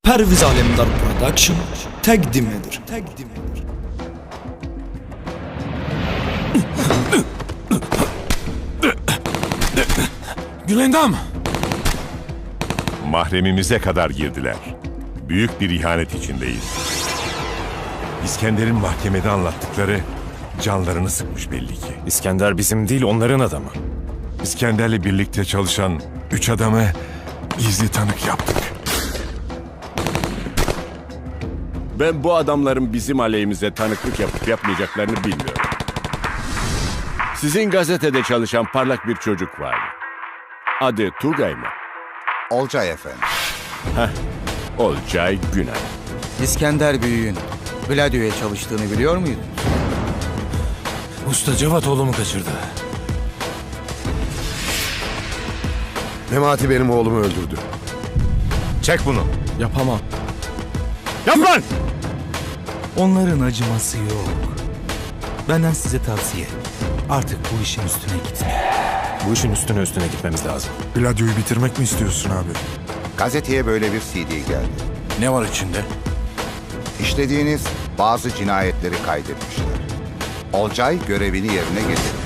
Perviz Alemdar Production təqdim edir. Gülendam! Mahremimize kadar girdiler. Büyük bir ihanet içindeyiz. İskender'in mahkemede anlattıkları canlarını sıkmış belli ki. İskender bizim değil, onların adamı. İskender'le birlikte çalışan 3 adamı gizli tanık yaptık. Ben bu adamların bizim aleyhimize tanıklık yapıp yapmayacaklarını bilmiyorum. Sizin gazetede çalışan parlak bir çocuk vardı. Adı Tugay mı? Olcay efendim. Olcay Günay. İskender Büyük'ün Gladio'ya çalıştığını biliyor muydun? Usta Cevat oğlumu kaçırdı. Memati benim oğlumu öldürdü. Çek bunu. Yapamam. Yap lan! Onların acıması yok. Benden size tavsiye. Artık bu işin üstüne gitmeyin. Bu işin üstüne gitmemiz lazım. Gladio'yu bitirmek mi istiyorsun abi? Gazeteye böyle bir CD geldi. Ne var içinde? İşlediğiniz bazı cinayetleri kaydetmişler. Olcay görevini yerine getirdi.